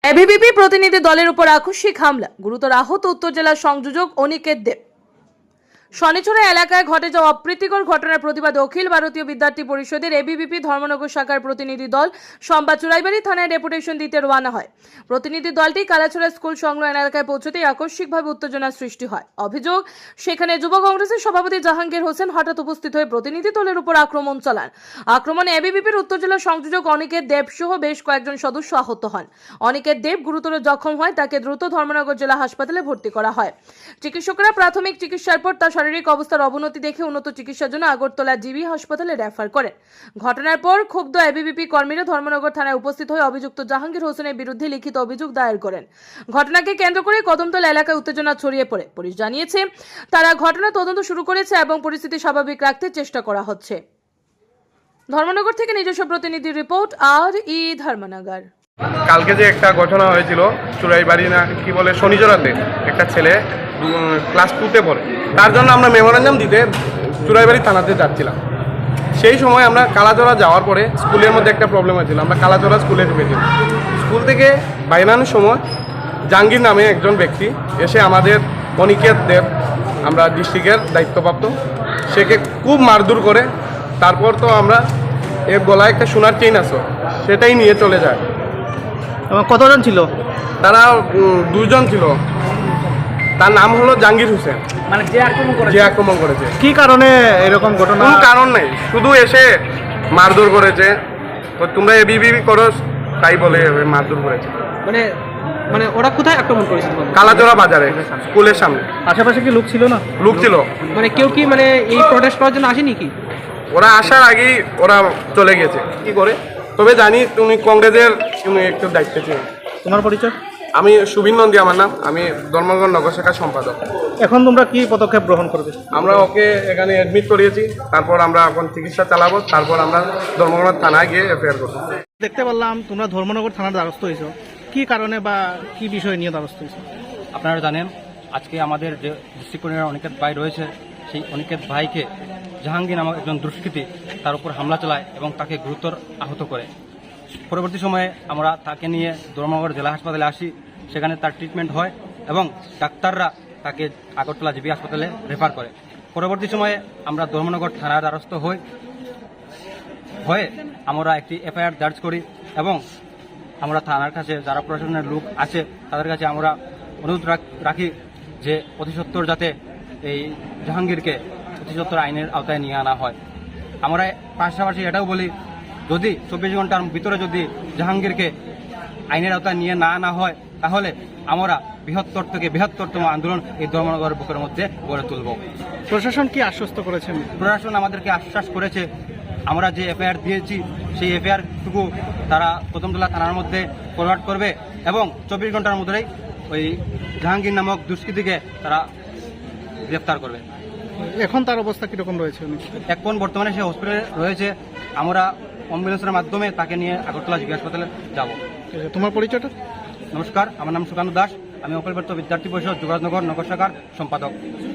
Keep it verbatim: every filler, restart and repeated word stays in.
ABVP প্রতিনিধি দলের উপর আকস্মিক হামলা, গুরুতর আহত উত্তর জেলার সংযোজক অনিকেত দেব। শনিচড়া এলাকায় ঘটে যাওয়া অপ্রীতিকর ঘটনার প্রতিবাদে অখিল ভারতীয় বিদ্যার্থী পরিষদের এবিভিপি ধর্মনগর শাখার প্রতিনিধি দল সোমবার চুরাইবাড়ি থানায় ডেপুটেশন দিতে রওনা হয়। প্রতিনিধি দলটি কালাছড়া স্কুল সংলগ্ন এলাকায় পৌঁছতেই আকস্মিকভাবে উত্তেজনার সৃষ্টি হয়। অভিযোগ, সেখানে যুব কংগ্রেসের সভাপতি জাহাঙ্গীর হোসেন হঠাৎ উপস্থিত হয়ে প্রতিনিধি দলের উপর আক্রমণ চালান। আক্রমণে এবিভিপির উত্তর জেলার সংযোজক অনিকেত দেব সহ বেশ কয়েকজন সদস্য আহত হন। অনিকেত দেব গুরুতর জখম হয়, তাকে দ্রুত ধর্মনগর জেলা হাসপাতালে ভর্তি করা হয়। চিকিৎসকরা প্রাথমিক চিকিৎসার পর তার শারীরিক অবস্থার অবনতি দেখে উন্নত চিকিৎসার জন্য আগরতলা জিবি হাসপাতালে রেফার করেন। ঘটনার পর ক্ষুব্ধ এবিভিপি কর্মীরা ধর্মনগর থানায় উপস্থিত হয়ে অভিযুক্ত জাহাঙ্গীর হোসেনের বিরুদ্ধে লিখিত অভিযোগ দায়ের করেন। ঘটনাকে কেন্দ্র করে কদমতলা এলাকায় উত্তেজনা ছড়িয়ে পড়ে। পুলিশ জানিয়েছে তারা ঘটনা তদন্ত শুরু করেছে এবং পরিস্থিতি স্বাভাবিক রাখতে চেষ্টা করা হচ্ছে। ধর্মনগর থেকে নিজস্ব প্রতিনিধি রিপোর্ট, আর ই ধর্মনগর। কালকে যে একটা ঘটনা হয়েছিল চুরাইবাড়ি না কি বলে শনিচড়াতে, একটা ছেলে ক্লাস টুতে পড়ে, তার জন্য আমরা মেমোরেন্ডাম দিতে চুরাইবাড়ি থানাতে যাচ্ছিলাম। সেই সময় আমরা কালাচড়া যাওয়ার পরে স্কুলের মধ্যে একটা প্রবলেম হয়েছিল, আমরা কালাচড়া স্কুলে ঢুকেছিলাম। স্কুল থেকে বাইরানোর সময় জাহাঙ্গীর নামে একজন ব্যক্তি এসে আমাদের অনিকেত দেব, আমরা ডিস্ট্রিক্টের দায়িত্বপ্রাপ্ত, সেকে খুব মারধর করে। তারপর তো আমরা এর গলায় একটা সোনার চেইন আছে, সেটাই নিয়ে চলে যায়। কতজন ছিল? তারা দুইজন ছিল। তার নাম হলো জাহাঙ্গীর হোসেন, মানে যে আক্রমণ করেছে। যে আক্রমণ করেছে কি কারণে এরকম ঘটনা? কোনো কারণ নেই, শুধু এসে মারধর করেছে। তো তোমরা এবিভিপি করো তাই বলে মারধর করেছে। মানে মানে ওরা কোথায় আক্রমণ করেছে? কালাচড়া বাজারে স্কুলের সামনে। আশেপাশে কি লোক ছিল না? লোক ছিল। মানে কেউ কি মানে এই প্রোটেস্ট করার জন্য আসেনি কি? ওরা আসার আগেই ওরা চলে গেছে কি করে। তবে জানি তুমি কংগ্রেসের তুমি একটু দায়িত্বে ছিল। তোমার পরিচয়? আমি সুবিন নন্দী আমার নাম, আমি ধর্মনগর নগর শাখার সম্পাদক। এখন তোমরা কি পদক্ষেপ গ্রহণ করবে? আমরা ওকে এখানে অ্যাডমিট করিয়েছি, তারপর আমরা এখন চিকিৎসা চালাবো, তারপর আমরা ধর্মনগর থানায় গিয়ে এফআইআর করবো। দেখতে পারলাম তোমরা ধর্মনগর থানার দ্বারস্থ হয়েছো, কি কারণে বা কি বিষয় নিয়ে দ্বারস্থ হয়েছো? আপনারা জানেন আজকে আমাদের যে ডিস্ট্রিক্ট অনিকেত ভাই রয়েছে, সেই অনিকেত ভাইকে জাহাঙ্গীর নামক একজন দুষ্কৃতী তার উপর হামলা চালায় এবং তাকে গুরুতর আহত করে। পরবর্তী সময়ে আমরা তাকে নিয়ে ধর্মনগর জেলা হাসপাতালে আসি, সেখানে তার ট্রিটমেন্ট হয় এবং ডাক্তাররা তাকে আগরতলা জিবি হাসপাতালে রেফার করে। পরবর্তী সময়ে আমরা ধর্মনগর থানার দ্বারস্থ হই হয়ে আমরা একটি এফআইআর দার্জ করি এবং আমরা থানার কাছে যারা প্রশাসনের লোক আছে তাদের কাছে আমরা অনুরোধ রাখি যে অতি সত্বর যাতে এই জাহাঙ্গীরকে অতি সত্বর আইনের আওতায় নিয়ে আনা হয়। আমরা পাশাপাশি এটাও বলি, যদি চব্বিশ ঘন্টার ভিতরে যদি জাহাঙ্গীরকে আইনের আওতায় নিয়ে না আনা হয়, তাহলে আমরা বৃহত্তর থেকে বৃহত্তরতম আন্দোলন এই ধর্মনগর বুকের মধ্যে গড়ে তুলব। প্রশাসন কি আশ্বস্ত করেছেন? প্রশাসন আমাদেরকে আশ্বাস করেছে, আমরা যে এফআইআর দিয়েছি সেই এফআইআরটুকু তারা কদমতলা থানার মধ্যে ফরওয়ার্ড করবে এবং চব্বিশ ঘন্টার মধ্যেই ওই জাহাঙ্গীর নামক দুষ্কৃতীকে তারা গ্রেফতার করবে। এখন তার অবস্থা কিরকম রয়েছে? এখন বর্তমানে সে হসপিটালে রয়েছে, আমরা অ্যাম্বুলেন্সের মাধ্যমে তাকে নিয়ে আগরতলা জিবি হাসপাতালে যাব। তোমার পরিচয়টা? নমস্কার, আমার নাম সুকান্ত দাস, আমি অখিল ভারতীয় বিদ্যার্থী পরিষদ যুবরাজনগর নগর শাখার সম্পাদক।